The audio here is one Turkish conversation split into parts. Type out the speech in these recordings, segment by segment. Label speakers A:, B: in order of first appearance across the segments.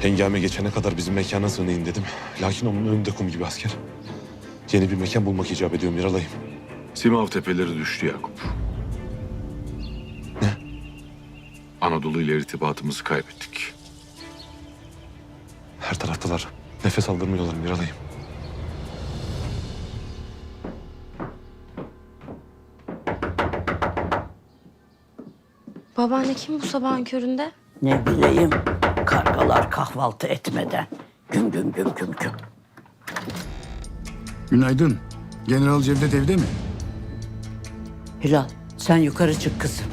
A: Hengame geçene kadar bizim mekana sığınayım dedim. Lakin onun önünde kum gibi asker. Yeni bir mekan bulmak icap ediyor Miralay'ım.
B: Simav tepeleri düştü Yakup.
A: Ne?
B: Anadolu ile irtibatımızı kaybettik.
A: Her taraftalar. Nefes aldırmıyorlar Miralay'ım.
C: Babaanne kim bu sabahın köründe?
D: Ne bileyim, kargalar kahvaltı etmeden. Güm güm güm güm güm.
E: Günaydın. General Cevdet evde mi?
D: Hilal, sen yukarı çık kızım.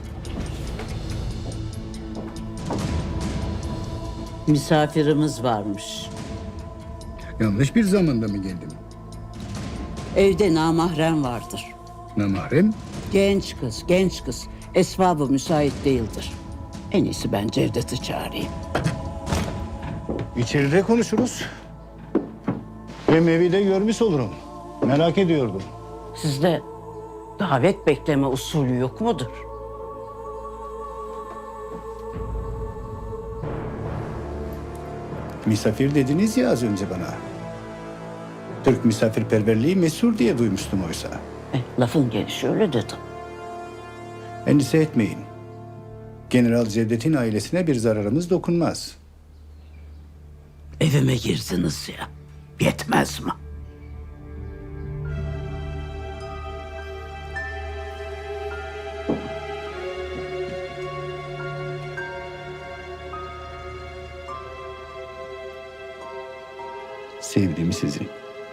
D: Misafirimiz varmış.
E: Yanlış bir zamanda mı geldim?
D: Evde namahrem vardır.
E: Namahrem?
D: Genç kız, genç kız. Esvabı müsait değildir. En iyisi ben Cevdet'i çağırayım.
E: İçeride konuşuruz. Hem evi de görmüş olurum. Merak ediyordum.
D: Sizde davet bekleme usulü yok mudur?
E: Misafir dediniz ya az önce bana. Türk misafirperverliği meşhur diye duymuştum oysa.
D: Lafın gelişi öyle dedim.
E: Endişe etmeyin. General Cevdet'in ailesine bir zararımız dokunmaz.
D: Evime girdiniz ya. Yetmez mi?
E: Sevdim sizi.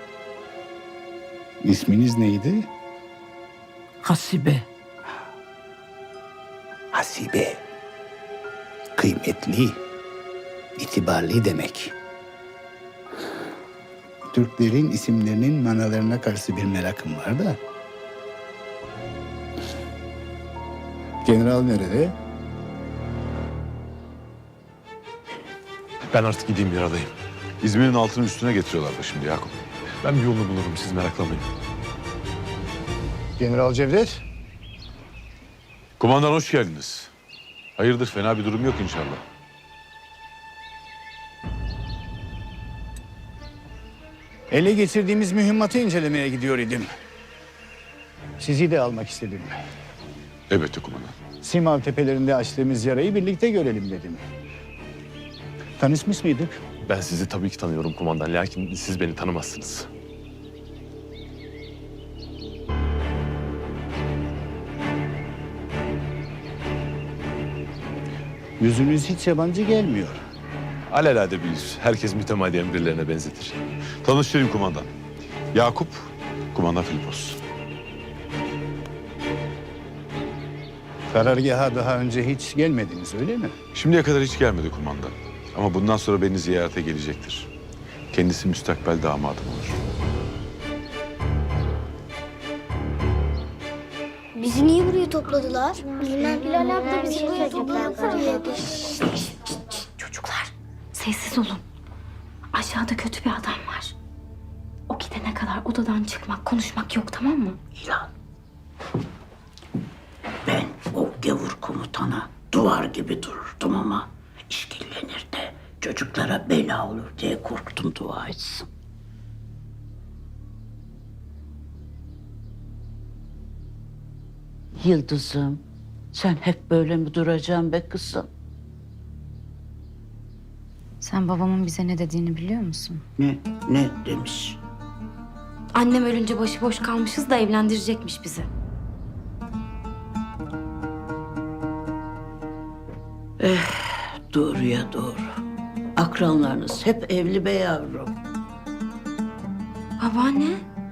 E: İsminiz neydi?
D: Hasibe.
E: Hasibe. Kıymetli, itibarlı demek. Türklerin isimlerinin manalarına karşı bir merakım var da. General nerede?
A: Ben artık gideyim Miralay'ım.
B: İzmir'in altını üstüne getiriyorlar da şimdi Yakup.
A: Ben bir yolunu bulurum, siz meraklanmayın.
E: General Cevdet.
B: Kumandan hoş geldiniz. Hayırdır, fena bir durum yok inşallah.
E: Ele geçirdiğimiz mühimmatı incelemeye gidiyor idim. Sizi de almak istedim.
B: Elbette kumandan.
E: Simav tepelerinde açtığımız yarayı birlikte görelim dedim. Tanışmış mıydık?
A: Ben sizi tabii ki tanıyorum kumandan. Lakin siz beni tanımazsınız.
E: Yüzünüz hiç yabancı gelmiyor.
A: Alelade bir yüz. Herkes mütemadiyen birilerine benzetir.
B: Tanıştırayım kumandan. Yakup, kumandan Filipos.
E: Karargaha daha önce hiç gelmediniz öyle mi?
B: Şimdiye kadar hiç gelmedi kumandan. Ama bundan sonra beni ziyarete gelecektir. Kendisi müstakbel damadım olur.
F: Bizi niye buraya topladılar? Bilmem. Bilal abla bizi buraya topladılar dedi.
C: Çocuklar sessiz olun. Aşağıda kötü bir adam var. O gidene kadar odadan çıkmak, konuşmak yok, tamam mı?
D: Hilal. Ben o gavur komutana duvar gibi dururdum ama işkillenir de çocuklara bela olur diye korktum, dua etsin. Yıldızım, sen hep böyle mi duracaksın be kızım?
C: Sen babamın bize ne dediğini biliyor musun?
D: Ne demiş?
C: Annem ölünce başıboş kalmışız da evlendirecekmiş bizi.
D: Doğruya doğru. Akranlarınız hep evli be yavrum.
C: Babaanne.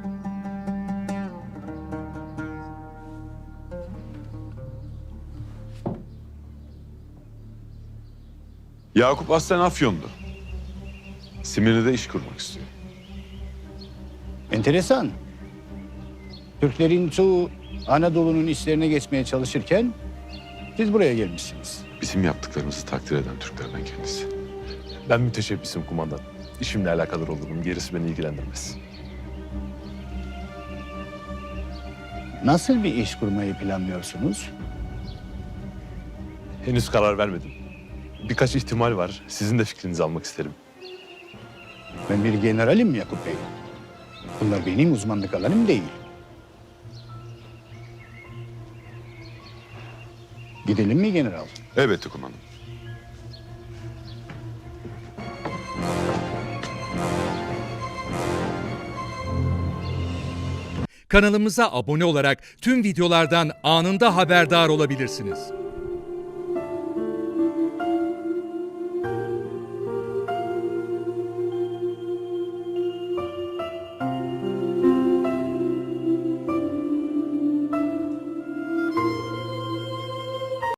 B: Yakup aslen Afyon'du. Simirli'de iş kurmak istiyor.
E: Enteresan. Türklerin çoğu Anadolu'nun işlerine geçmeye çalışırken siz buraya gelmişsiniz.
B: Bizim yaptıklarımızı takdir eden Türklerden kendisi.
A: Ben müteşebbisim kumandan. İşimle alakadar olurum. Gerisi beni ilgilendirmez.
E: Nasıl bir iş kurmayı planlıyorsunuz?
A: Henüz karar vermedim. birkaç ihtimal var. Sizin de fikrinizi almak isterim.
E: Ben bir generalim Yakup Bey. Bunlar benim uzmanlık alanım değil. Gidelim mi general?
B: Elbette kumandan.
G: Kanalımıza abone olarak tüm videolardan anında haberdar olabilirsiniz.